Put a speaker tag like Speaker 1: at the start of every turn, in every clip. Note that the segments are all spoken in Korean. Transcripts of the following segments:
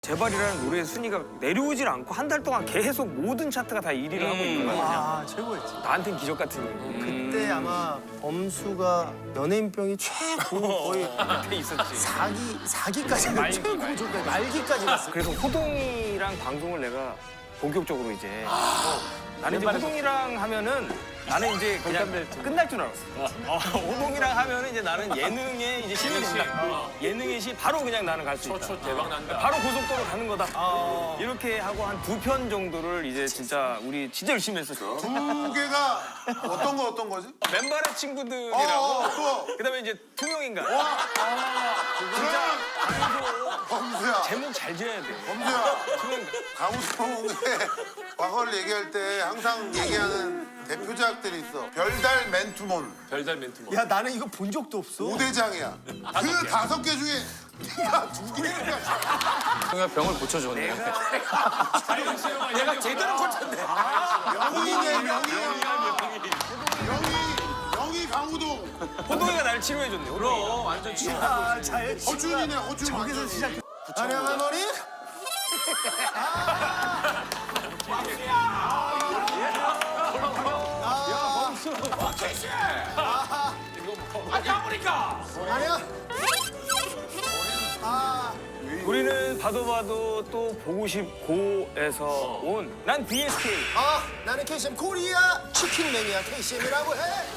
Speaker 1: 제발이라는 노래의 순위가 내려오질 않고 한 달 동안 계속 모든 차트가 다 1위를 하고 있는 거야.
Speaker 2: 아, 최고였지.
Speaker 1: 나한텐 기적 같은 일.
Speaker 2: 그때 아마 범수가 연예인병이 최고 거의
Speaker 1: 그때 있었지.
Speaker 2: 4기까지 최고 조까지 말기까지 갔어.
Speaker 1: 그래서 호동이랑 방송을 내가 본격적으로 이제 나는 이제 호동이랑 하면은 나는 이제 그냥 끝날 줄 알았어. 호동이랑 하면은 이제 나는 예능에 이제 신이 된다. 예능의 시 바로 그냥 나는 갈 수 있다.
Speaker 3: 대박 난다.
Speaker 1: 바로 고속도로 가는 거다. 이렇게 하고 한 2편 정도를 이제 진짜 우리 진짜 열심히 했었죠.
Speaker 4: 두 개가 어떤 거지?
Speaker 1: 맨발의 친구들이라고.
Speaker 4: 또.
Speaker 1: 그다음에 이제 투명인간.
Speaker 4: 그러면 범수야.
Speaker 1: 제목 잘 지어야 돼.
Speaker 4: 범수야.
Speaker 1: 투명인간.
Speaker 4: 강우성의 과거를 얘기할 때 항상 얘기하는 대표작들이 있어. 별달 맨투몬.
Speaker 3: 별달 멘트.
Speaker 2: 야, 나는 이거 본 적도 없어.
Speaker 4: 5대장이야. 그 5개 중에 네가 2개를
Speaker 3: 형이 병을 고쳐줬네.
Speaker 2: 내가 제대로 꽂혔네.
Speaker 4: 명이네, 명이 강우동.
Speaker 1: 호동이가 나를 치료해줬네. 호동이가.
Speaker 3: 완전 치료.
Speaker 2: 잘
Speaker 4: 허준이네, 허준.
Speaker 2: 저기서 시작. 아령한 머리. 아니야.
Speaker 1: 우리는 봐도 또 보고 싶고에서 온 난 BSK.
Speaker 2: 나는 KCM 코리아 치킨 매니아 KCM이라고 해.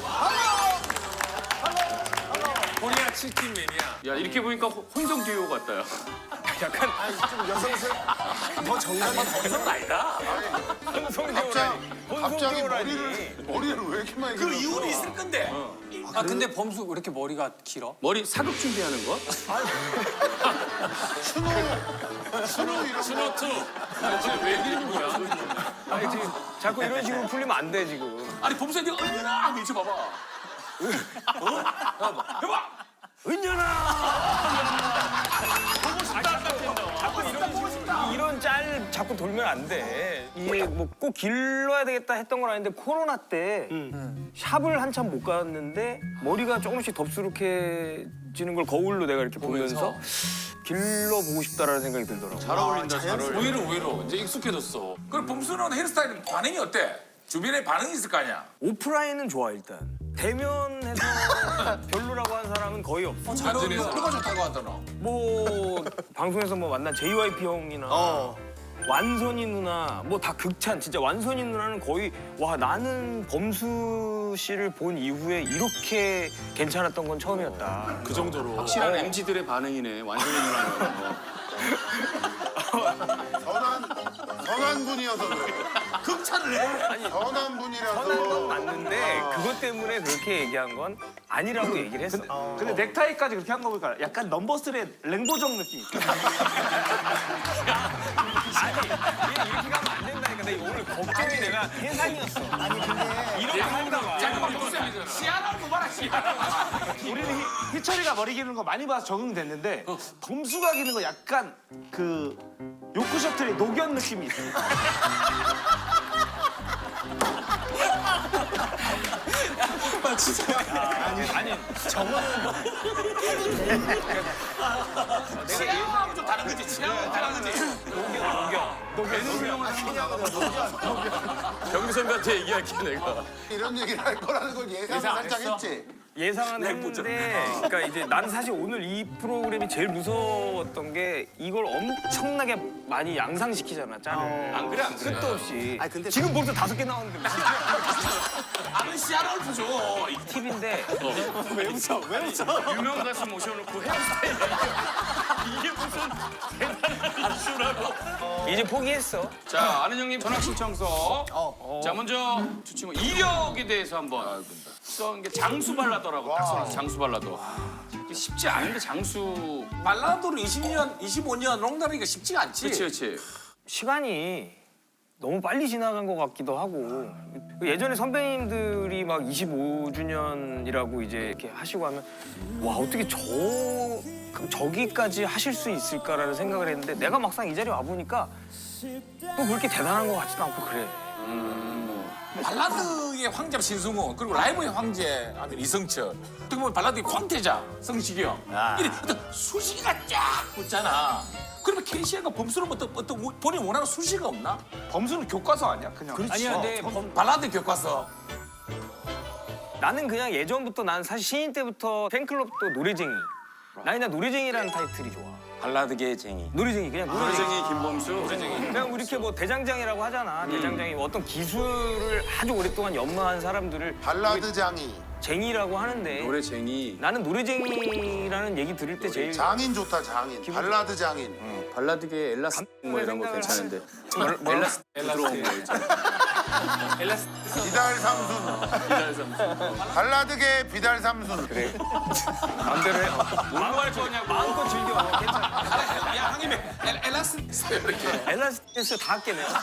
Speaker 3: 코리아 치킨 매니아. 야 이렇게 보니까 혼성 듀오 같다. 야.
Speaker 1: 약간
Speaker 2: 좀 여성스러워. 더 정감이
Speaker 3: 혼성 아니다.
Speaker 4: 갑자기
Speaker 1: 혼성듀오라니.
Speaker 4: 머리를 왜 이렇게 많이
Speaker 3: 그 이유는 있을 건데.
Speaker 5: 아 근데 범수 왜 이렇게 머리가 길어?
Speaker 3: 머리 사극 준비하는 거? 스노 투. 왜 이러는 거야?
Speaker 1: 아니 지금 자꾸 이런 식으로 풀리면 안 돼 지금.
Speaker 3: 아니 범수야 네가 얼마나 밀쳐 봐봐. 해봐.
Speaker 1: 이런 짤 자꾸 돌면 안 돼. 이게 뭐 꼭 길러야 되겠다 했던 건 아닌데 코로나 때 샵을 한참 못 갔는데 머리가 조금씩 덥수룩해지는 걸 거울로 내가 이렇게 보면서 길러보고 싶다라는 생각이 들더라고.
Speaker 3: 잘 어울린다. 잘 어울린다. 오히려 이제 익숙해졌어. 그럼 범수는 헤어스타일 반응이 어때? 주변에 반응이 있을 거 아니야?
Speaker 1: 오프라인은 좋아 일단. 대면해서 별로라고 한 사람은 거의 없어.
Speaker 3: 잘 어울린다. 누가 좋다고 하더라.
Speaker 1: 뭐 방송에서 뭐 만난 JYP 형이나 완선이 누나 뭐 다 극찬. 진짜 완선이 누나는 거의 와 나는 범수 씨를 본 이후에 이렇게 괜찮았던 건 처음이었다.
Speaker 3: 그 정도로.
Speaker 6: 확실한 MZ들의 반응이네. 완전히 누나는.
Speaker 4: 선한 분이어서 그래.
Speaker 3: 극찬을 해.
Speaker 4: 선한 분이라서.
Speaker 1: 선한 건 맞는데 그것 때문에 그렇게 얘기한 건 아니라고 얘기를 했어.
Speaker 7: 근데 넥타이까지 그렇게 한 거 보니까 약간 넘버스의 랭보정 느낌.
Speaker 1: 아니 이렇게 가면 안 된다니까. 나 이거 오늘 걱정이 내가 예상이었어. 아니 근데 이렇게 한다고.
Speaker 3: 잠깐만 복수야. 시아나 봐라 시아나.
Speaker 7: 우리는 희철이가 머리 기는 거 많이 봐서 적응됐는데 범수가 기는 거 약간 그 요크 셔틀의 녹연 느낌이 있어.
Speaker 3: 시아나하고 좀 다른 거지. 시아나하고 다른 거지.
Speaker 6: 경기 선배한테 얘기할게 내가.
Speaker 4: 이런 얘기를 할 거라는 걸 예상을 살짝 했지.
Speaker 1: 예상은 했는데 그러니까 이제 나는 사실 오늘 이 프로그램이 제일 무서웠던 게 이걸 엄청나게 많이 양상시키잖아 짤을.
Speaker 3: 안 그래 안 그래.
Speaker 1: 끝도 없이.
Speaker 2: 아니, 근데
Speaker 1: 지금 벌써 5개 나왔는데 무슨
Speaker 3: 아는 시아나를 보죠.
Speaker 1: 팁인데
Speaker 2: 왜 웃어?
Speaker 6: 유명 가수 모셔놓고 헤어스타일. 이게 무슨 대단한 이슈라고.
Speaker 1: 이제 포기했어.
Speaker 6: 자, 아는 형님 전학 신청서. 자, 먼저 두 친구 이력에 대해서 한번. 써는 게 장수 발라더라고. 딱 써놨어. 장수 발라더. 이게 쉽지 않은데 장수.
Speaker 3: 발라드로 20년, 25년 롱다리가 쉽지가 않지.
Speaker 6: 그렇지.
Speaker 1: 시간이 너무 빨리 지나간 것 같기도 하고 예전에 선배님들이 막 25주년이라고 이제 이렇게 하시고 하면 와 어떻게 저기까지 하실 수 있을까라는 생각을 했는데 내가 막상 이 자리에 와 보니까 또 그렇게 대단한 것 같지도 않고 그래.
Speaker 3: 발라드의 황제 신승훈 그리고 라이브의 황제 아들 이성철 어떻게 보면 발라드의 황태자 성시경 이런 어떤 수식이가 쫙 붙잖아. 그러면 KCM과 범수는 어떤 본인이 원하는 수식이 없나?
Speaker 7: 범수는 교과서 아니야? 그냥.
Speaker 1: 아니야, 근데
Speaker 3: 발라드 교과서.
Speaker 1: 나는 그냥 예전부터 난 사실 신인 때부터 팬클럽도 노래쟁이. 나이나 노래쟁이라는 타이틀이 좋아.
Speaker 5: 발라드계 쟁이.
Speaker 1: 노래쟁이 그냥 노래쟁이.
Speaker 6: 노래쟁이 김범수.
Speaker 1: 그냥 우리 이렇게 뭐 대장장이라고 하잖아. 대장장이 어떤 기술을 아주 오랫동안 연마한 사람들을
Speaker 4: 발라드 장이.
Speaker 1: 쟁이라고 하는데
Speaker 6: 노래쟁이.
Speaker 1: 나는 노래쟁이라는 얘기 들을 때 제일
Speaker 4: 장인 좋다 장인. 발라드 장인.
Speaker 5: 발라드계 엘라스 뭐 이런 거 괜찮은데. 엘라스 들어온 거 있잖아.
Speaker 4: 비달 삼순. 발라드계 비달 삼순. 그래.
Speaker 1: 마음대로 해.
Speaker 6: 뭘로 할 거냐고.
Speaker 1: 마음껏 즐겨. 괜찮아.
Speaker 3: 야 형님 엘라스 이렇게.
Speaker 1: 엘라스티스 다 할게 내가.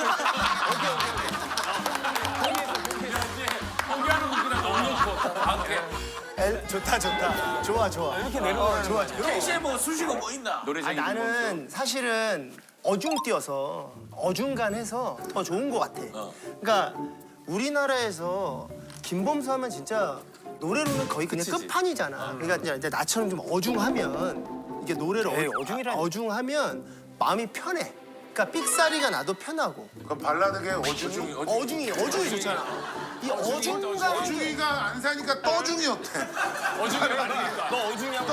Speaker 6: 포기하는 분들은 너무 좋고. 아 그래.
Speaker 2: 좋다 좋다. 좋아 좋아.
Speaker 1: 이렇게 내려오는
Speaker 2: 좋아.
Speaker 3: KCM 뭐 수식어 뭐 있나?
Speaker 6: 노래쟁이
Speaker 2: 나는 사실은 어중뛰어서 어중간해서 더 좋은 것 같아. 그러니까 우리나라에서 김범수 하면 진짜 노래로는 거의 그냥 끝판이잖아. 그러니까 이제 나처럼 좀 어중하면 이게 노래를
Speaker 1: 에이, 어중이라니.
Speaker 2: 어중하면 마음이 편해. 그러니까 삑사리가 나도 편하고
Speaker 4: 그럼 발라드계 어중이.
Speaker 2: 어중이 좋잖아. 이 어중간
Speaker 4: 어중이가 안 사니까 떠중이 어때?
Speaker 1: 너 어중이야?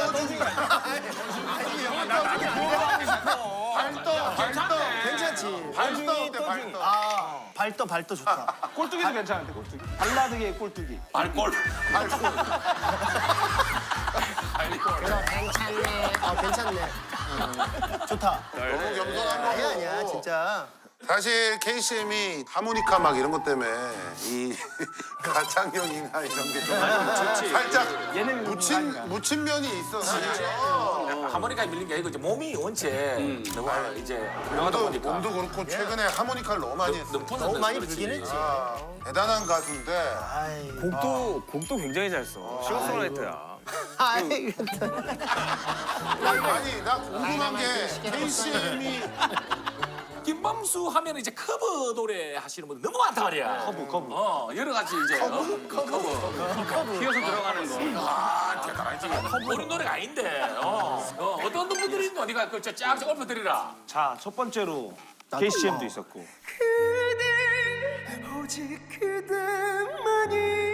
Speaker 4: 발떠.
Speaker 2: 괜찮지.
Speaker 4: 발떠 어때 발떠?
Speaker 2: 아 발도 좋다.
Speaker 7: 꼴뚜기도 괜찮은데 꼴뚜기. 발라드계 꼴뚜기.
Speaker 3: 발골.
Speaker 2: 괜찮네. 아 괜찮네. 좋다.
Speaker 4: 너무 겸손한 거.
Speaker 2: 아니야 진짜.
Speaker 4: 사실 KCM이 하모니카 막 이런 것 때문에 이 가창력이나 이런 게 좀 살짝 묻힌 면이 있어. 사실.
Speaker 3: 하모니카에 밀린 게 아니고 이제 몸이 원체 너무 이제 훌륭하다 보니까
Speaker 4: 몸도 그렇고 최근에 하모니카를 너무 많이 했어.
Speaker 2: 너무 많이 불긴 했지.
Speaker 4: 대단한 가수인데
Speaker 2: 아이.
Speaker 1: 곡도 굉장히 잘 써. 싱어송라이터야.
Speaker 2: 아이.
Speaker 4: 아니 나 궁금한 게 KCM이
Speaker 3: 김범수 하면 이제 커버 노래 하시는 분들 너무 많단 말이야. 커버. 여러 가지 이제 커버.
Speaker 6: 튀어서 들어가는 거.
Speaker 3: 아 대단하지. 모르는 노래가 아닌데. 어떤 분들이 있노? 네가 그쫙 엎어드리라.
Speaker 7: 자, 첫 번째로 KCM도 있었고.
Speaker 2: 오직 그대만이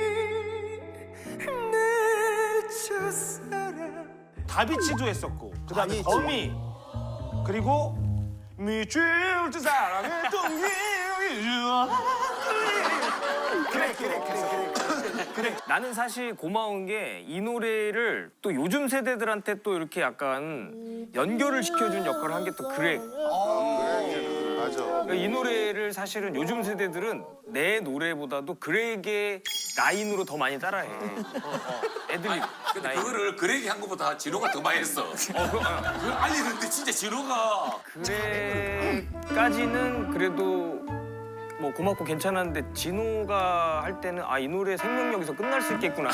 Speaker 2: 내 첫사랑.
Speaker 7: 다비치도 했었고. 그다음에
Speaker 2: 아니지.
Speaker 7: 거미. 그리고 미칠 듯 사랑의 동기. 그래.
Speaker 1: 나는 사실 고마운 게 이 노래를 또 요즘 세대들한테 또 이렇게 약간 연결을 시켜준 역할을 한 게 또 그래.
Speaker 4: 맞아.
Speaker 1: 이 노래를 사실은 요즘 세대들은 내 노래보다도 그렉의 라인으로 더 많이 따라해. 애들이
Speaker 3: 근데
Speaker 1: 라인.
Speaker 3: 그거를 그렉이 한 것보다 진호가 더 많이 했어. 그걸 알리는데 진짜 진호가
Speaker 1: 그렉까지는 그래도 뭐 고맙고 괜찮았는데 진호가 할 때는 아 이 노래 생명력에서 끝날 수 있겠구나.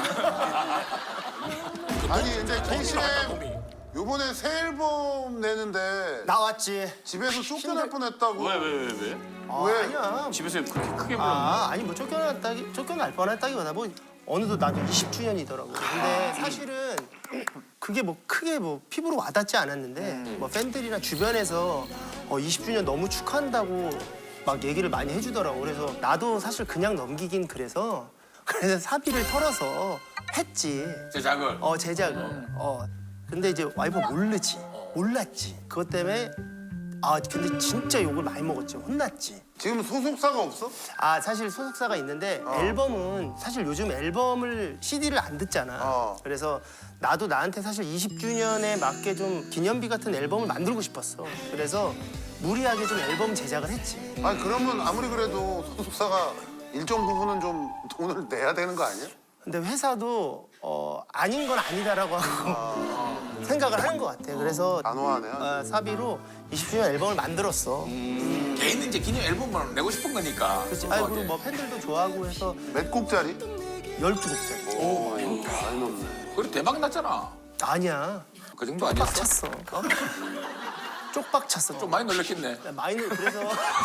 Speaker 4: 아니 근데 KCM
Speaker 3: 놈이.
Speaker 4: 요번에 새 앨범 내는데
Speaker 2: 나왔지.
Speaker 4: 집에서 쫓겨날 뻔했다고.
Speaker 6: 왜?
Speaker 4: 왜?
Speaker 2: 아니야.
Speaker 6: 집에서 그렇게 크게 불렀나?
Speaker 2: 아니 뭐 쫓겨날 뻔했다기보다 뭐 어느덧 나도 20주년이더라고. 근데 사실은 그게 뭐 크게 뭐 피부로 와닿지 않았는데 뭐 팬들이나 주변에서 20주년 너무 축하한다고 막 얘기를 많이 해주더라고. 그래서 나도 사실 그냥 넘기긴 그래서 사비를 털어서 했지.
Speaker 3: 제작을.
Speaker 2: 제작을. 근데 이제 와이프가 몰랐지. 그것 때문에 근데 진짜 욕을 많이 먹었지. 혼났지.
Speaker 4: 지금 소속사가 없어?
Speaker 2: 사실 소속사가 있는데 앨범은 사실 요즘 앨범을 CD를 안 듣잖아. 그래서 나도 나한테 사실 20주년에 맞게 좀 기념비 같은 앨범을 만들고 싶었어. 그래서 무리하게 좀 앨범 제작을 했지.
Speaker 4: 아니 그러면 아무리 그래도 소속사가 일정 부분은 좀 돈을 내야 되는 거 아니야?
Speaker 2: 근데 회사도 아닌 건 아니다라고 하고 생각을 하는 것 같아. 그래서
Speaker 4: 단호하네.
Speaker 2: 사비로 20주년 앨범을 만들었어.
Speaker 3: 개인 이제 기념 앨범을 내고 싶은 거니까.
Speaker 2: 그렇지. 그리고 뭐 팬들도 좋아하고 해서
Speaker 4: 몇 곡짜리?
Speaker 2: 12곡짜리.
Speaker 4: 많이 넣네.
Speaker 3: 그래 대박 났잖아.
Speaker 2: 아니야.
Speaker 3: 그 정도 아니었어?
Speaker 2: 찼어. 쪽박 찼어.
Speaker 3: 좀 많이 놀랬겠네.
Speaker 2: 마이너 그래서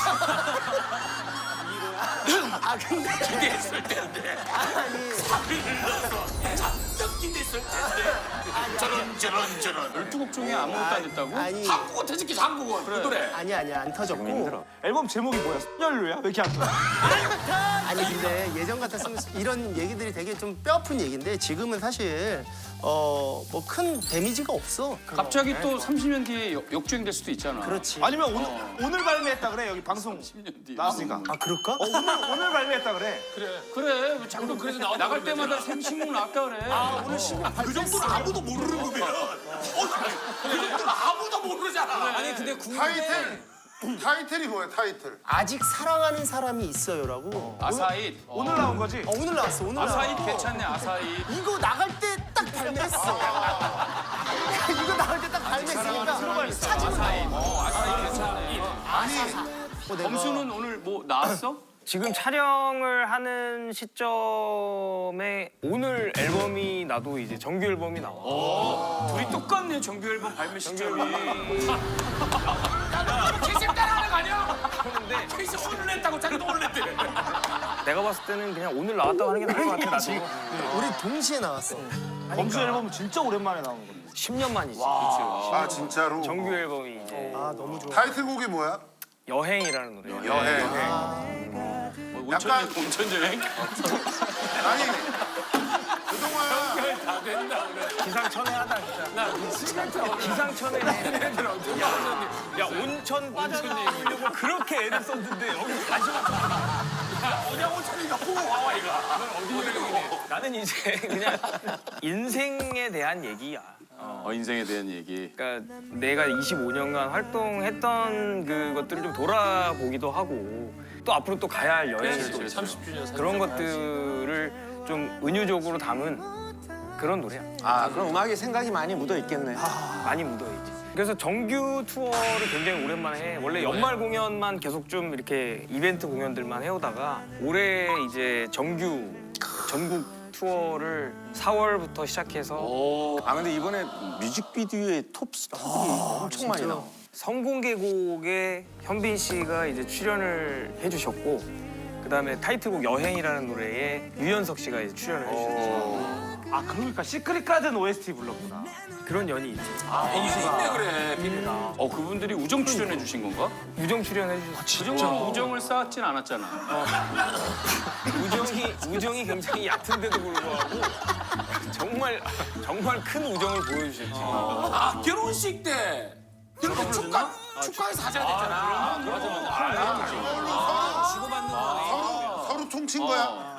Speaker 2: 아 근데
Speaker 3: 기대했을 텐데. 사비를 넣어서 잔뜩 기대했을 텐데. 저런.
Speaker 6: 12곡 중에 아무것도 안 됐다고?
Speaker 2: 아니
Speaker 3: 한국어 터지기 한국어. 그 노래.
Speaker 2: 아니야 안 터졌고
Speaker 7: 앨범 제목이 뭐야? 연료야? 왜 이렇게 안 터져?
Speaker 2: 아니 근데 예전 같았으면 이런 얘기들이 되게 좀 뼈아픈 얘기인데 지금은 사실 뭐 큰 데미지가 없어.
Speaker 6: 갑자기 또 30년 뒤에 역주행 될 수도 있잖아.
Speaker 2: 그렇지.
Speaker 7: 아니면 오늘 발매했다 그래 여기 방송
Speaker 6: 10년 뒤에.
Speaker 7: 나왔으니까.
Speaker 2: 아 그럴까?
Speaker 7: 오늘 발매했다 그래.
Speaker 6: 그래. 자꾸
Speaker 3: 그래서
Speaker 6: 나갈 때마다 신곡 나왔다 그래.
Speaker 2: 오늘 신곡
Speaker 3: 그 정도는 아무도 모르는 거면. 그 정도는 아무도 모르잖아.
Speaker 5: 아니 근데
Speaker 4: 타이틀이 뭐야 타이틀?
Speaker 2: 아직 사랑하는 사람이 있어요라고.
Speaker 6: 아사잇.
Speaker 7: 오늘 나온 거지?
Speaker 2: 오늘 나왔어. 오늘 나왔어.
Speaker 6: 아사잇 괜찮네. 아사잇.
Speaker 2: 이거 나갈 때 딱 발매했어. 이거 나갈 때 딱 발매했으니까 찾으면 나와.
Speaker 6: 아사잇 괜찮네. 범수는 오늘 뭐 나왔어?
Speaker 1: 지금 촬영을 하는 시점에 오늘 앨범이 나도 이제 정규 앨범이 나와.
Speaker 6: 둘이 똑같네. 정규 앨범 발매 시점이.
Speaker 3: 캐시 따라하는 거 아니야?
Speaker 1: 근데
Speaker 3: 캐시 오늘 냈다고 자기도 오늘 냈대.
Speaker 1: 내가 봤을 때는 그냥 오늘 나왔다고 하는 게 나을 것 같아 나도.
Speaker 2: 우리 동시에 나왔어.
Speaker 7: 범수 앨범 진짜 오랜만에 나온 거.
Speaker 1: 10년 만이지.
Speaker 4: 아 진짜로?
Speaker 1: 정규 앨범이 이제
Speaker 2: 아 너무 좋아.
Speaker 4: 타이틀곡이 뭐야?
Speaker 1: 여행이라는 노래.
Speaker 4: 여행. 약간
Speaker 6: 온천 여행?
Speaker 4: 아니 그동안
Speaker 1: 기상천외하다 진짜. 기상천외. 야 온천 빠져나오려고 그렇게 애를 썼는데 여기 다시
Speaker 3: 그냥 온천이가 보고 와와 이거.
Speaker 1: 나는 이제 그냥 인생에 대한 얘기야.
Speaker 6: 인생에 대한 얘기.
Speaker 1: 그러니까 내가 25년간 활동했던 그것들을 좀 돌아보기도 하고 또 앞으로 또 가야 할 여행을 또
Speaker 5: 30주년
Speaker 1: 그런 것들을 좀 은유적으로 담은 그런 노래야.
Speaker 8: 아 그럼 음악에 생각이 많이 묻어 있겠네.
Speaker 1: 많이 묻어있지. 그래서 정규 투어를 굉장히 오랜만에 해. 원래 연말 공연만 계속 좀 이렇게 이벤트 공연들만 해오다가 올해 이제 정규 전국 투어를 4월부터 시작해서
Speaker 8: 아 근데 이번에 뮤직비디오에 톱스타들이 엄청 많이 나와.
Speaker 1: 성공개곡에 현빈 씨가 이제 출연을 해주셨고 그다음에 타이틀곡 여행이라는 노래에 유연석 씨가 이제 출연을 해주셨어.
Speaker 7: 아 그러니까 시크릿 가든 OST 불렀구나.
Speaker 1: 그런 연이 있지.
Speaker 3: 있네 그래 비리랑.
Speaker 6: 그분들이 우정 출연해 주신 건가?
Speaker 1: 유정 출연해 주셨어.
Speaker 6: 우정을 쌓았진 않았잖아.
Speaker 1: 우정이 굉장히 얕은데도 불구하고 정말 큰 우정을 보여주셨지.
Speaker 3: 아 결혼식 때 이렇게 축가에서 하셔야 되잖아.
Speaker 4: 서로 퉁친 거야?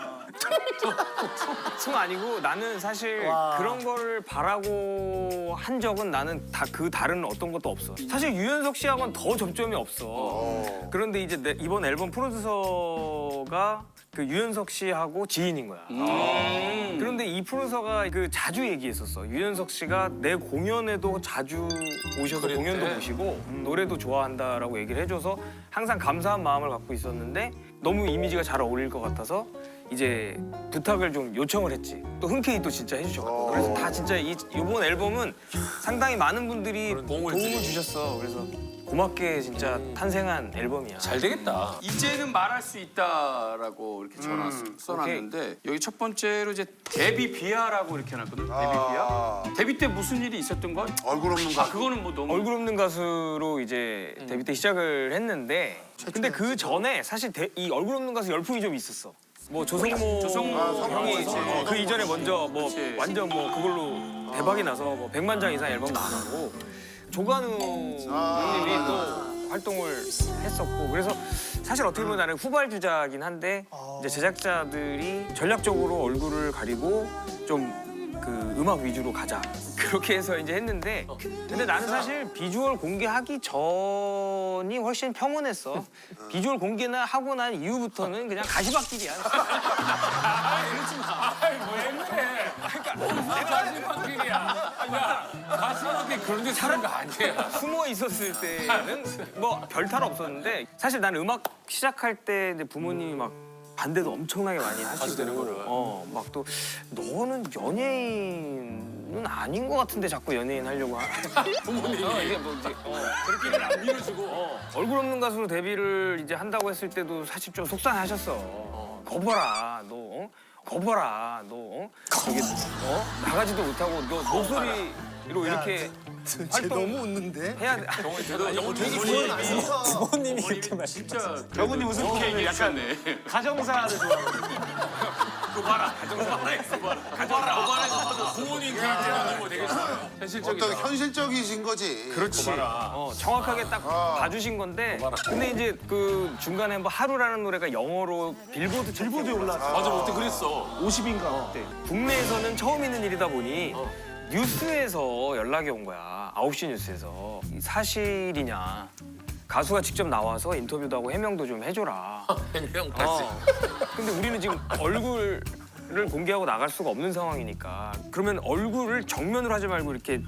Speaker 1: 층 아니고 나는 사실 그런 거를 바라고 한 적은 나는 그 다른 어떤 것도 없어. 사실 유연석 씨하고는 더 접점이 없어. 그런데 이제 이번 앨범 프로듀서가 그 유연석 씨하고 지인인 거야. 그런데 이 프로듀서가 그 자주 얘기했었어. 유연석 씨가 내 공연에도 자주 오셔서 공연도 보시고 노래도 좋아한다라고 얘기를 해줘서 항상 감사한 마음을 갖고 있었는데 너무 이미지가 잘 어울릴 것 같아서 이제 부탁을 좀 요청을 했지. 또 흔쾌히 또 진짜 해주셔가지고. 그래서 다 진짜 이번 앨범은 상당히 많은 분들이 도움을 주셨어. 그래서 고맙게 진짜 탄생한 앨범이야.
Speaker 3: 잘 되겠다.
Speaker 6: 이제는 말할 수 있다라고 이렇게 써놨는데 여기 첫 번째로 이제 데뷔 비하라고 이렇게 해놨거든. 데뷔 비하. 데뷔 때 무슨 일이 있었던 거야?
Speaker 4: 얼굴 없는 거.
Speaker 6: 그거는 뭐 너무
Speaker 1: 얼굴 없는 가수로 이제 데뷔 때 시작을 했는데 근데 그 전에 사실 이 얼굴 없는 가수 열풍이 좀 있었어. 뭐 조성모 형이 그 이전에 먼저 뭐 완전 뭐 그걸로 대박이 나서 뭐 100만 장 이상 앨범 나가고 조관우 형님이 또 활동을 했었고 그래서 사실 어떻게 보면 나는 후발주자긴 한데 이제 제작자들이 전략적으로 얼굴을 가리고 좀 그 음악 위주로 가자 그렇게 해서 이제 했는데 근데 나는 사실 비주얼 공개하기 전이 훨씬 평온했어. 비주얼 공개나 하고 난 이후부터는 그냥 가시밭길이야.
Speaker 3: 그러지 마. 왜 그래? 가시밭길이야. 야, 가시밭길 그런 데 사는 거 아니야.
Speaker 1: 숨어 있었을 때는 뭐 별 탈 없었는데 사실 나는 음악 시작할 때 이제 부모님이 막 반대도 엄청나게 많이 하시고 막 또 너는 연예인을 아닌 것 같은데 자꾸 연예인 하려고
Speaker 3: 부모님이
Speaker 1: 이게 뭐 이제
Speaker 3: 그렇게는 안 밀어주고.
Speaker 1: 얼굴 없는 가수로 데뷔를 이제 한다고 했을 때도 사실 좀 속상하셨어. 거봐라 너. 거봐라 너. 저기 나가지도 못하고 너 목소리로 이렇게
Speaker 2: 쟤
Speaker 1: 활동
Speaker 2: 너무 웃는데?
Speaker 1: 해야 돼.
Speaker 8: 부모님이 이렇게 말씀.
Speaker 6: 진짜
Speaker 7: 경훈님 웃음 포인트 약간
Speaker 6: 얘기하셨네.
Speaker 7: 가정사를 좋아하거든요.
Speaker 3: 그봐라. 그봐라. 부모님 교육제는 너무 되게 현실적이다.
Speaker 4: 어떤 현실적이신 거지.
Speaker 1: 그렇지. 정확하게 딱 봐주신 건데. 근데 이제 그 중간에 뭐 하루라는 노래가 영어로 빌보드
Speaker 7: 빌보드에 올라왔어.
Speaker 3: 맞아, 그때 그랬어.
Speaker 7: 50인가 그때.
Speaker 1: 국내에서는 처음 있는 일이다 보니 뉴스에서 연락이 온 거야. 9시 뉴스에서. 이 사실이냐. 가수가 직접 나와서 인터뷰도 하고 해명도 좀 해줘라.
Speaker 3: 해명까지.
Speaker 1: 근데 우리는 지금 얼굴을 공개하고 나갈 수가 없는 상황이니까 그러면 얼굴을 정면으로 하지 말고 이렇게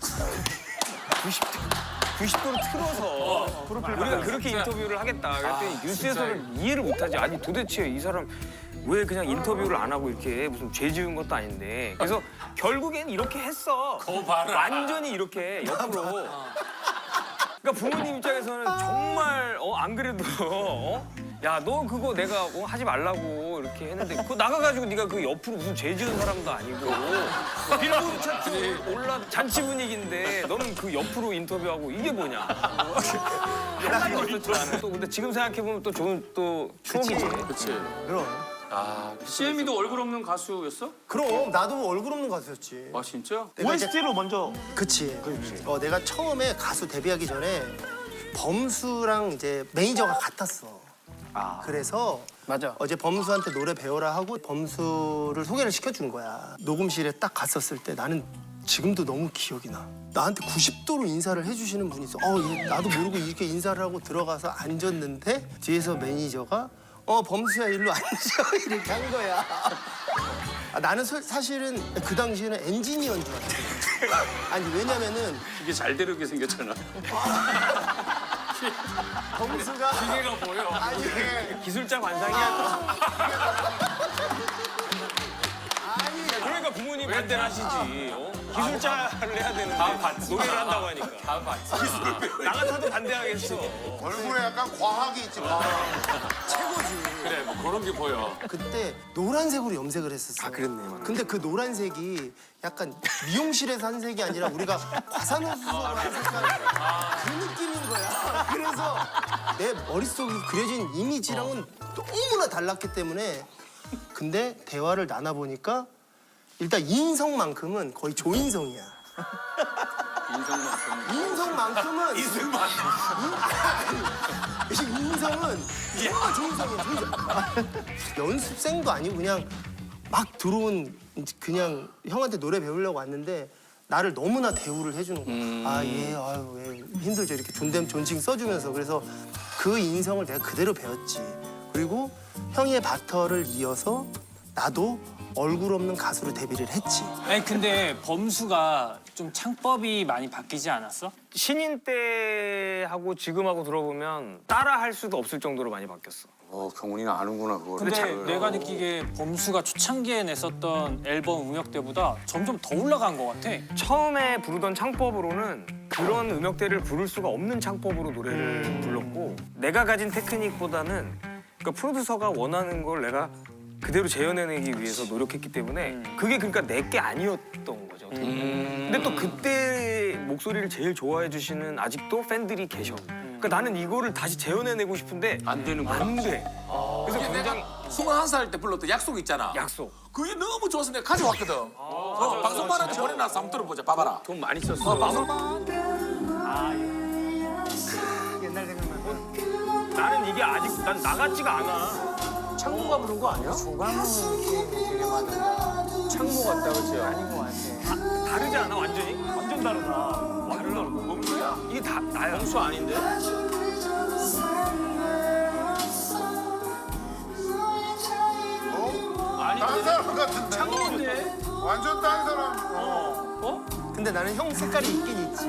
Speaker 1: 90도로 틀어서 우리가 그렇게 인터뷰를 하겠다. 그랬더니 뉴스에서는 이해를 못하지. 아니 도대체 이 사람 왜 그냥 인터뷰를 안 하고 이렇게 무슨 죄 지은 것도 아닌데. 그래서 결국엔 이렇게 했어.
Speaker 3: 봐라.
Speaker 1: 완전히 이렇게 옆으로. 그러니까 부모님 입장에서는 정말 안 그래도 야 너 그거 내가 하지 말라고 이렇게 했는데 그거 나가가지고 네가 그 옆으로 무슨 죄 지은 사람도 아니고 빌보드 차트 올라 잔치 분위기인데 너는 그 옆으로 인터뷰하고 이게 뭐냐. 하나도 없었잖아. 또 근데 지금 생각해 보면 또 좋은 또 추억이지.
Speaker 6: 그치.
Speaker 2: 그럼.
Speaker 6: CM이도 얼굴 없는 가수였어?
Speaker 2: 그럼 나도 얼굴 없는 가수였지.
Speaker 6: 아 진짜?
Speaker 2: 내가 이제-
Speaker 7: OST로 먼저
Speaker 2: 그치. 내가 처음에 가수 데뷔하기 전에 범수랑 이제 매니저가 같았어. 그래서
Speaker 1: 맞아.
Speaker 2: 어제 범수한테 노래 배워라 하고 범수를 소개를 시켜준 거야. 녹음실에 딱 갔었을 때 나는 지금도 너무 기억이 나. 나한테 90도로 인사를 해주시는 분이 있어. 얘 나도 모르고 이렇게 인사를 하고 들어가서 앉았는데 뒤에서 매니저가 범수야 일로 앉아 이렇게 한 거야. 나는 사실은 그 당시에는 엔지니어인 줄 알았어. 아니 왜냐면은
Speaker 6: 이게 잘 되려게 생겼잖아.
Speaker 2: 범수가
Speaker 3: 기계가 보여.
Speaker 2: 아니
Speaker 1: 기술자 관상이야. 그러니까 부모님 반대를 하시지. 기술자를 해야 되는데 노래를 한다고 하니까.
Speaker 3: 다 봤지.
Speaker 1: 나 같아도 반대하겠어.
Speaker 4: 얼굴에 약간 과학이 있지. 과학.
Speaker 3: 그래, 뭐 그런 게 보여.
Speaker 2: 그때 노란색으로 염색을 했었어.
Speaker 1: 그랬네.
Speaker 2: 근데 그 노란색이 약간 미용실에서 한 색이 아니라 우리가 과산화수소로 한 색깔 그 느낌인 거야. 그래서 내 머릿속에 그려진 이미지랑은 너무나 달랐기 때문에 근데 대화를 나눠보니까 일단 인성만큼은 거의 조인성이야. 인성만큼은 인성은 정말 조인성이야. 연습생도 아니고 그냥 막 들어온 그냥 형한테 노래 배우려고 왔는데 나를 너무나 대우를 해주는 거야. 아유 힘들죠 이렇게 존칭 써주면서. 그래서 그 인성을 내가 그대로 배웠지. 그리고 형의 바터를 이어서 나도 얼굴 없는 가수로 데뷔를 했지.
Speaker 9: 아니 근데 범수가 좀 창법이 많이 바뀌지 않았어?
Speaker 1: 신인 때하고 지금하고 들어보면 따라 할 수도 없을 정도로 많이 바뀌었어.
Speaker 5: 경훈이는 아는구나 그걸.
Speaker 9: 근데 내가 느끼기에 범수가 초창기에 냈었던 앨범 음역대보다 점점 더 올라간 것 같아.
Speaker 1: 처음에 부르던 창법으로는 그런 음역대를 부를 수가 없는 창법으로 노래를 불렀고 내가 가진 테크닉보다는 그러니까 프로듀서가 원하는 걸 내가 그대로 재현해내기 위해서 노력했기 때문에 그게 그러니까 내게 아니었던 거죠. 근데 또 그때 목소리를 제일 좋아해 주시는 아직도 팬들이 계셔. 그러니까 나는 이거를 다시 재현해내고 싶은데
Speaker 6: 안 되는 거야.
Speaker 1: 안 돼. 그래서
Speaker 3: 이게
Speaker 1: 굉장히
Speaker 3: 내가 21살 때 불렀던 약속 있잖아.
Speaker 1: 약속.
Speaker 3: 그게 너무 좋아서 내가 가져왔거든. 방송반한테 보내놔서 한번 들어보자. 봐봐라.
Speaker 6: 돈 많이 썼어.
Speaker 7: 옛날 생각나.
Speaker 1: 나는 이게 아직 난 나같지가 않아.
Speaker 2: 창모가 부른 거 아니야?
Speaker 1: 창모 같다 그치? 아닌 것 같아. 다르지 않아 완전히?
Speaker 7: 완전 다르다.
Speaker 1: 다르다. 범수야? 이게 다 나야. 범수 아닌데?
Speaker 4: 다른 사람 같은데.
Speaker 1: 창모인데?
Speaker 4: 완전 다른 사람.
Speaker 2: 근데 나는 형 색깔이 있긴 있지.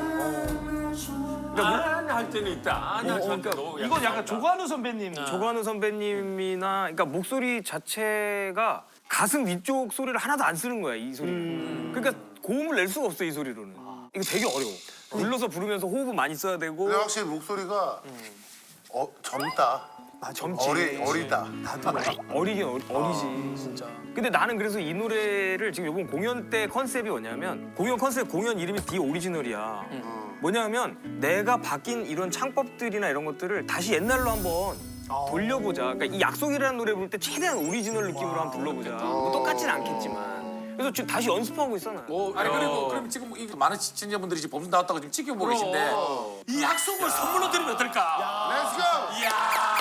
Speaker 3: 할 때는 있다. 아니야,
Speaker 1: 그러니까
Speaker 7: 이건 약간 조관우 선배님.
Speaker 1: 조관우 선배님이나 그러니까 목소리 자체가 가슴 위쪽 소리를 하나도 안 쓰는 거야 이 소리는. 그러니까 고음을 낼 수가 없어 이 소리로는. 이거 되게 어려워. 눌러서 부르면서 호흡은 많이 써야 되고.
Speaker 4: 근데 확실히 목소리가 젊다.
Speaker 1: 젊지.
Speaker 4: 어리다.
Speaker 1: 어리긴 어리지 진짜. 근데 나는 그래서 이 노래를 지금 이번 공연 때 컨셉이 뭐냐면 공연 이름이 디 오리지널이야. 뭐냐면 내가 바뀐 이런 창법들이나 이런 것들을 다시 옛날로 한번 돌려보자. 그러니까 이 약속이라는 노래 부를 때 최대한 오리지널 느낌으로 한번 불러보자. 뭐 똑같진 않겠지만. 그래서 지금 다시 연습하고 있어 나.
Speaker 3: 아니 그리고 그럼 지금 이 많은 시청자분들이 지금 범수 나왔다고 지금 지켜보고 계신데 이 약속을 선물로 드리면 어떨까?
Speaker 4: 렛츠고!
Speaker 3: 이야.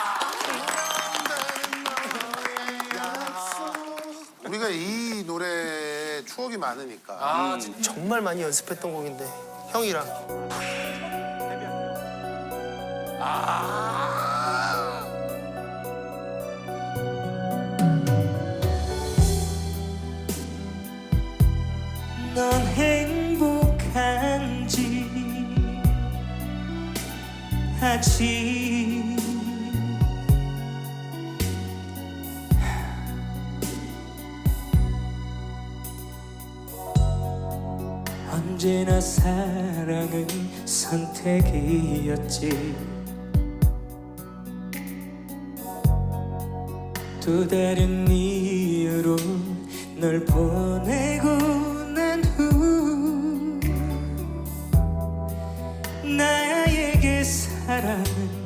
Speaker 4: 우리가 이 노래에 추억이 많으니까.
Speaker 3: 아 진짜.
Speaker 2: 정말 많이 연습했던 곡인데 형이랑
Speaker 10: 넌 행복한지 아직 언제나 사랑은 선택이었지 또 다른 이유로 널 보내고 난 후 나에게 사랑은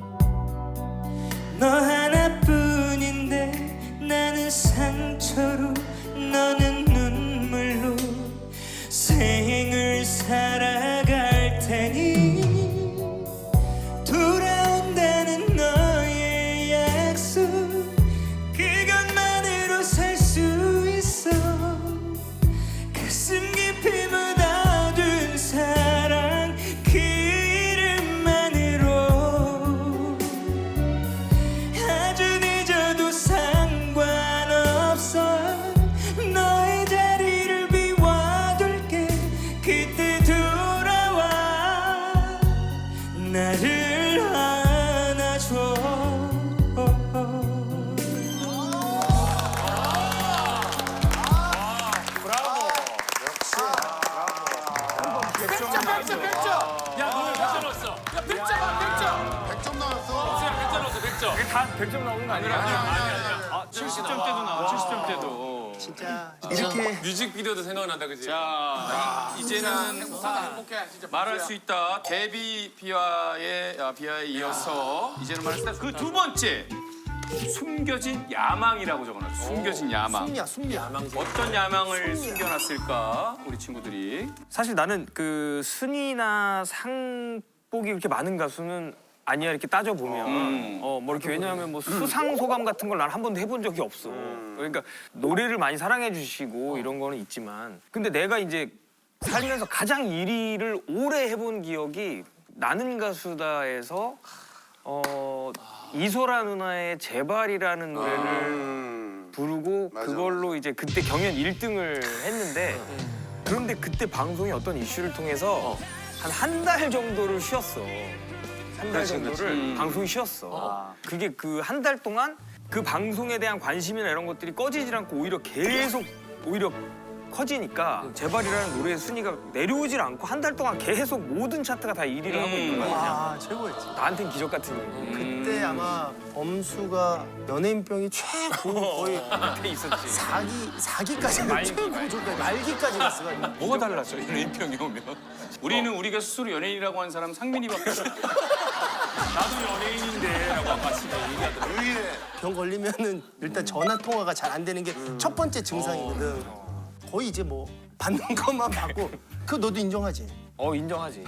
Speaker 10: 너 하나뿐인데 나는 상처로 너는 눈물로 생을 살아갈 테니 돌아온다는 너의 약속 그것만으로 살 수 있어 가슴 깊이 묻어둔 사랑 그 이름만으로 아주 늦어도 상관없어 너의 자리를 비워둘게 그때 돌아와 나를 안아줘
Speaker 3: 야 너왜 100점 넣었어? 야 100점
Speaker 4: 100점 나왔어.
Speaker 3: 100점 넣었어 100점.
Speaker 1: 다 100점 나오는 거 아니야?
Speaker 6: 아니야. 70점 때도 나와. 70점 때도.
Speaker 2: 진짜 이렇게
Speaker 6: 뮤직비디오도 생각난다 그지? 자 이제는
Speaker 3: 행복해 진짜.
Speaker 6: 말할 수 있다. 데뷔 비와에 이어서 이제는 말할 수 있다. 그 두 번째 숨겨진 야망이라고 적어놨어. 숨겨진 야망.
Speaker 2: 숨이야
Speaker 6: 어떤 야망을 숨겨놨을까 우리 친구들이.
Speaker 1: 사실 나는 그 순위나 상복이 그렇게 많은 가수는 아니야 이렇게 따져 보면 뭐 이렇게 왜냐하면 뭐 수상 소감 같은 걸 난 한 번도 해본 적이 없어. 그러니까 노래를 많이 사랑해 주시고 이런 거는 있지만 근데 내가 이제 살면서 가장 1위를 오래 해본 기억이 나는 가수다에서 이소라 누나의 제발이라는 노래를 부르고
Speaker 4: 맞아,
Speaker 1: 그걸로 이제 그때 경연 1등을 했는데 그런데 그때 방송이 어떤 이슈를 통해서 한 달 정도를 쉬었어. 한 달 정도를 방송이 쉬었어. 그게 그 한 달 동안 그 방송에 대한 관심이나 이런 것들이 꺼지질 않고 오히려 계속 커지니까 제발이라는 노래의 순위가 내려오질 않고 한 달 동안 계속 모든 차트가 다 1위를 하고 있는 거야.
Speaker 2: 아 최고였지
Speaker 1: 나한텐 기적 같은 일이.
Speaker 2: 그때 아마 범수가 연예인병이 최고 거의
Speaker 1: 그때 있었지.
Speaker 2: 4기까지 최고조까지 말기까지 갔어가지고
Speaker 6: 뭐가 달랐어 연예인병이 오면? 우리는 우리가 스스로 연예인이라고 하는 사람 상민이밖에 없어. 나도 연예인인데라고 아까 얘기하더라고.
Speaker 4: 유일해.
Speaker 2: 병 걸리면은 일단 전화 통화가 잘 안 되는 게 첫 번째 증상이거든. 거의 이제 뭐 받는 것만 받고 그거 너도 인정하지?
Speaker 1: 인정하지.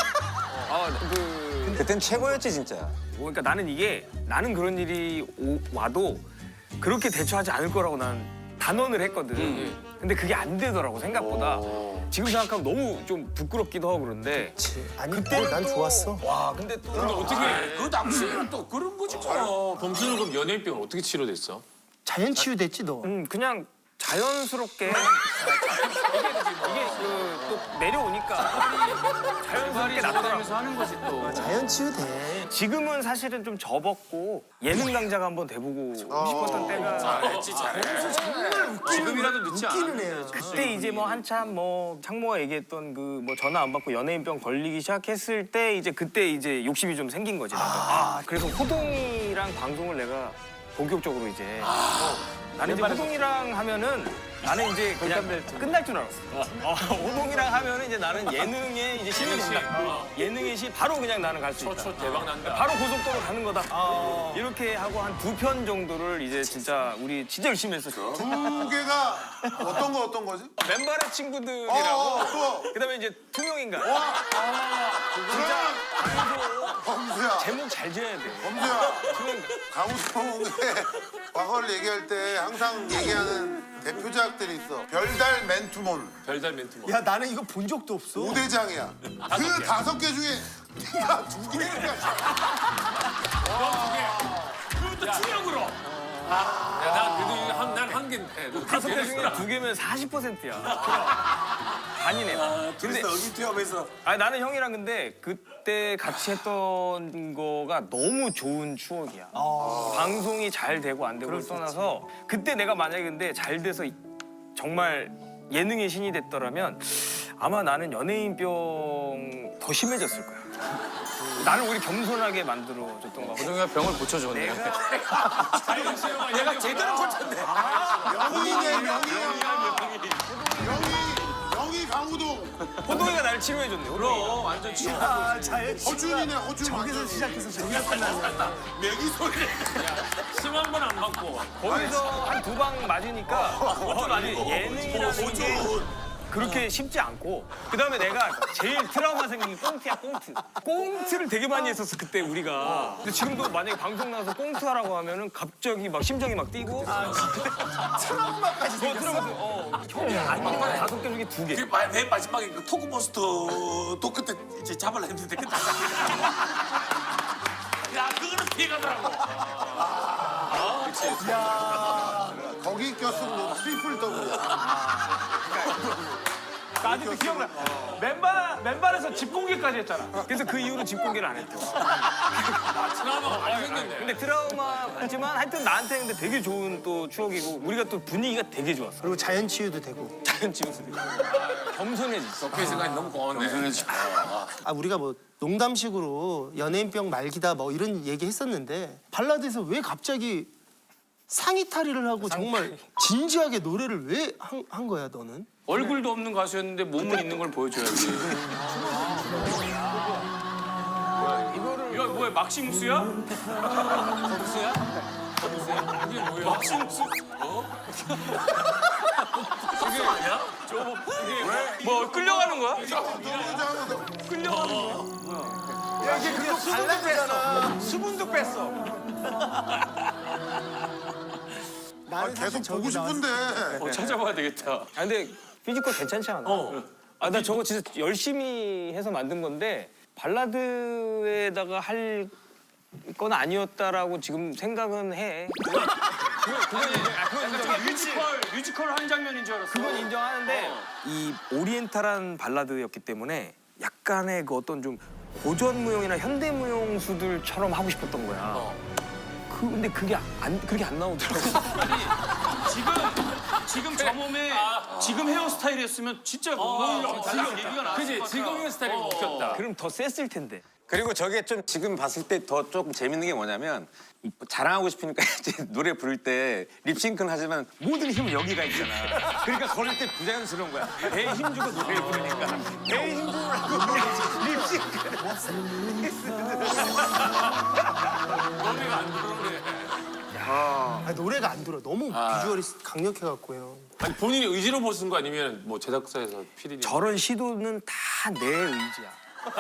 Speaker 8: 그땐 최고였지 진짜.
Speaker 1: 그러니까 나는 그런 일이 와도 그렇게 대처하지 않을 거라고 난 단언을 했거든. 근데 그게 안 되더라고 생각보다. 지금 생각하면 너무 좀 부끄럽기도 하고 그런데.
Speaker 2: 아니
Speaker 1: 그때는
Speaker 2: 난
Speaker 1: 또-
Speaker 2: 좋았어.
Speaker 1: 와 근데 또
Speaker 3: 어떻게 그 당시에는 또 그런 거지 뭐.
Speaker 6: 범수는 그럼 연예인병을 어떻게 치료됐어?
Speaker 2: 자연 치유됐지 너.
Speaker 1: 그냥 자연스럽게 또 내려오니까 자연스럽게 나타나면서
Speaker 6: 나타나면서 하는 거지 또.
Speaker 2: 자연 치유돼.
Speaker 1: 지금은 사실은 좀 접었고 예능 강자가 한번 돼보고 싶었던 때가
Speaker 3: 잘했지 잘해.
Speaker 6: 지금이라도 늦지 않아.
Speaker 2: 웃기는 애야.
Speaker 1: 그때 이제 뭐 한참 뭐 창모가 얘기했던 그 뭐 전화 안 받고 연예인병 걸리기 시작했을 때 이제 그때 이제 욕심이 좀 생긴 거지. 나도. 그래서 호동이랑 방송을 내가 본격적으로 이제 나는 이제 호동이랑 하면은 나는 이제 그냥 끝날 줄 알았어. 호동이랑 하면은 이제 나는 예능에 이제 신이 된다. 예능의 신 바로 그냥 나는 갈 수 있다.
Speaker 3: 대박 난다.
Speaker 1: 바로 고속도로 가는 거다. 이렇게 하고 한 2편 정도를 이제 진짜 우리 진짜 열심히 했었죠.
Speaker 4: 두 개가 어떤 거지?
Speaker 1: 맨발의 친구들이라고.
Speaker 4: 또
Speaker 1: 그다음에 이제 투명인간.
Speaker 4: 그러면 범수야.
Speaker 1: 제목 잘 지어야 돼.
Speaker 4: 범수야.
Speaker 1: 투명인간.
Speaker 4: 강우성의 과거를 얘기할 때 항상 얘기하는 대표작들이 있어. 별달 맨투몬.
Speaker 3: 별달 멘트.
Speaker 2: 야 나는 이거 본 적도 없어.
Speaker 4: 5대장이야. 그 5개 중에 네가 2개를
Speaker 3: 그것도 투명으로. 난한 개인데.
Speaker 1: 5개 중에 2개면 40%야. 반이네. 근데
Speaker 4: 여기 투합해서
Speaker 1: 나는 형이랑 근데 그때 같이 했던 거가 너무 좋은 추억이야. 방송이 잘 되고 안 되고를 떠나서 그때 내가 만약에 근데 잘 돼서 정말 예능의 신이 됐더라면 아마 나는 연예인병 더 심해졌을 거야. 나는 오히려 겸손하게 만들어줬던 거 같고.
Speaker 6: 호동이가 병을 고쳐줬네.
Speaker 3: 얘가 제대로 고쳤네.
Speaker 4: 명이네 명이 강우동.
Speaker 1: 호동이가 나를 치료해줬네. 호동이가.
Speaker 3: 완전 치워.
Speaker 4: 허준이네 허준.
Speaker 2: 저기서 시작해서 저기서 끝나네.
Speaker 3: 매기 소리. 심한 건 안 받고.
Speaker 1: 거기서 한 2방 맞으니까 예능이라는 게 그렇게 쉽지 않고 그다음에 내가 제일 트라우마 생긴 게 꽁트야 꽁트. 꽁트를 되게 많이 했었어 그때 우리가. 근데 지금도 만약에 방송 나가서 꽁트 하라고 하면은 갑자기 막 심장이 막 뛰고
Speaker 2: 트라우마까지 생겼어.
Speaker 1: 형이 아니면 5개 중에 2개.
Speaker 3: 맨 마지막에 그 토크버스터 토크 때 이제 잡으려 했는데 그때 야 그거는 피해가더라고.
Speaker 4: 거기 꼈으면 너 트리플 더블이야.
Speaker 7: 나 아직도 기억나. 맨발에서 집 공개까지 했잖아.
Speaker 1: 그래서 그 이후로 집 공개를 안 했죠.
Speaker 3: 트라우마가 많이 생겼네.
Speaker 1: 근데 트라우마지만 하여튼 나한테 근데 되게 좋은 또 추억이고 우리가 또 분위기가 되게 좋았어.
Speaker 2: 그리고 자연 치유도 되고.
Speaker 1: 자연 치유도 되고 겸손해졌어.
Speaker 3: 그 생각이 너무 고맙네.
Speaker 2: 우리가 뭐 농담식으로 연예인병 말기다 뭐 이런 얘기 했었는데 발라드에서 왜 갑자기 상의 탈의를 하고 정말 진지하게 노래를 왜 한 거야 너는?
Speaker 6: 얼굴도 없는 가수였는데 몸은 있는 걸 보여줘야지. 이거 뭐야 막시무스야? 무스야? 이게 뭐야? 막시무스? 이게 아니야? 이게 뭐 끌려가는 거야? 끌려가는 거야?
Speaker 7: 야, 이게 그거 수분도 뺐어. 수분도 뺐어.
Speaker 2: 나는
Speaker 4: 계속
Speaker 2: 사실
Speaker 4: 보고
Speaker 2: 저기 나왔어.
Speaker 4: 싶은데.
Speaker 6: 찾아봐야 되겠다.
Speaker 1: 근데 피지컬 괜찮지 않아? 나 저거 진짜 열심히 해서 만든 건데 발라드에다가 할 건 아니었다라고 지금 생각은 해.
Speaker 6: 뮤지컬 한 장면인 줄 알았어.
Speaker 1: 그건 인정하는데 이 오리엔탈한 발라드였기 때문에 약간의 그 어떤 좀 고전 무용이나 현대 무용수들처럼 하고 싶었던 거야. 근데 그게 그렇게 안 나오더라고.
Speaker 6: 지금 저 몸에 지금 헤어스타일이었으면 진짜 지금 얘기가 나.
Speaker 5: 그지 지금 헤어스타일이 웃겼다.
Speaker 1: 그럼 더 셌을 텐데.
Speaker 8: 그리고 저게 좀 지금 봤을 때 더 조금 재밌는 게 뭐냐면 자랑하고 싶으니까 이제 노래 부를 때 립싱크는 하지만 모든 힘은 여기가 있잖아. 그러니까 걸을 때 부자연스러운 거야. 배에 힘 주고 노래를 부르니까 배에 힘 주고 립싱크.
Speaker 2: 노래가 안 들어. 너무 비주얼이 강력해갖고요.
Speaker 3: 아니 본인이 의지로 보신 거 아니면 뭐 제작사에서 PD님?
Speaker 1: 저런 시도는 다 내 의지야.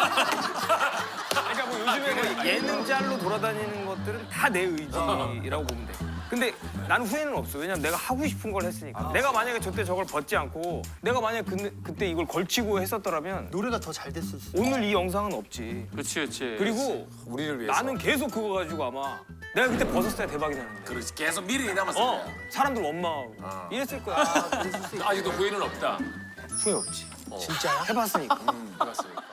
Speaker 1: 그러니까 뭐 요즘에 뭐 예능 짤로 돌아다니는 것들은 다 내 의지라고 보면 돼. 근데 나는 후회는 없어. 왜냐면 내가 하고 싶은 걸 했으니까. 내가 만약에 저때 저걸 벗지 않고 내가 만약에 그때 이걸 걸치고 했었더라면
Speaker 2: 노래가 더 잘 됐을 수 있어.
Speaker 1: 오늘 이 영상은 없지.
Speaker 6: 그렇지.
Speaker 1: 그리고
Speaker 3: 우리를 위해서.
Speaker 1: 나는 계속 그거 가지고 아마 내가 그때 벗었어야 대박이 나는데.
Speaker 3: 그렇지 계속 미련이 남았어.
Speaker 1: 사람들 원망하고 이랬을 거야.
Speaker 3: 아직도 후회는 없다.
Speaker 1: 후회 없지.
Speaker 2: 진짜야?
Speaker 1: 해봤으니까.
Speaker 6: 해봤어요.